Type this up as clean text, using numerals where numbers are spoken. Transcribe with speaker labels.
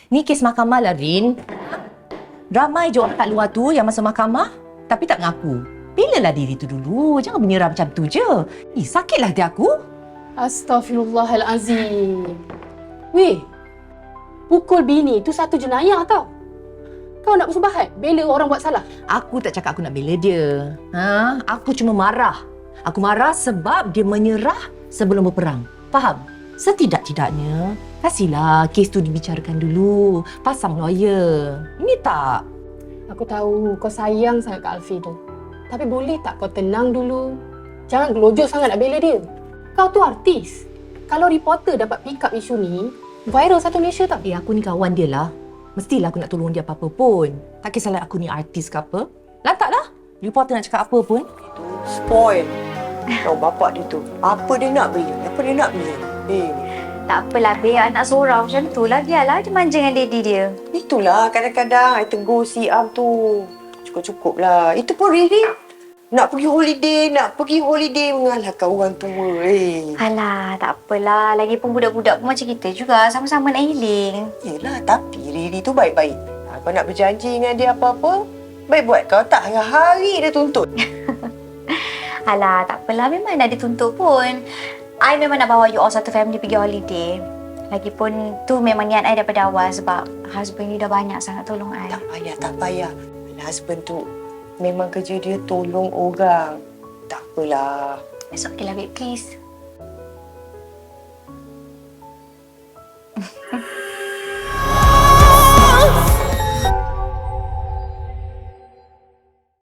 Speaker 1: Ni kes mahkamah lah, Rin. Ramai je orang kat luar tu yang masuk mahkamah tapi tak mengaku. Belalah diri tu dulu. Jangan menyerah macam tu je. Sakitlah hati aku.
Speaker 2: Astaghfirullahalazim. Weh, pukul bini tu satu jenayah tau. Kau nak bersubahat bela orang buat salah?
Speaker 1: Aku tak cakap aku nak bela dia. Aku cuma marah. Aku marah sebab dia menyerah sebelum berperang. Faham? Setidak-tidaknya, kasihlah kes tu dibicarakan dulu. Pasang lawyer. Ini tak.
Speaker 2: Aku tahu kau sayang sangat Kak Alfi tu. Tapi boleh tak kau tenang dulu? Jangan gelojok sangat nak bela dia. Kau tu artis. Kalau reporter dapat pick up isu ni, viral satu Malaysia tau.
Speaker 1: Aku ni kawan dia lah. Mestilah aku nak tolong dia apa-apa pun. Tak kisahlah aku ni artis ke apa. Lantaklah. Reporter nak cakap apa pun.
Speaker 3: Spoil. Tahu bapak dia tu. Apa dia nak beli? Apa dia nak beli?
Speaker 4: Tak apalah, Beb. Anak seorang macam tu lah. Biarlah dia manja dengan daddy dia.
Speaker 3: Itulah kadang-kadang I tegur si Am tu. Cukup-cukup lah. Itu pun Riri nak pergi holiday mengalahkan orang tua.
Speaker 4: Alah, tak apalah. Lagipun budak-budak pun macam kita juga. Sama-sama nak healing.
Speaker 3: Yelah, tapi Riri tu baik-baik. Kau nak berjanji dengan dia apa-apa, baik buat. Kau tak hari-hari dia tuntut.
Speaker 4: Alah, tak apalah. Memang nak dituntut pun. I memang nak bawa you all satu family pergi holiday. Lagipun tu memang niat I daripada awal sebab husband you dah banyak sangat tolong I.
Speaker 3: Tak payah. Husband tu memang kerja dia tolong orang. Tak apalah.
Speaker 4: It's okay lah, babe. Please.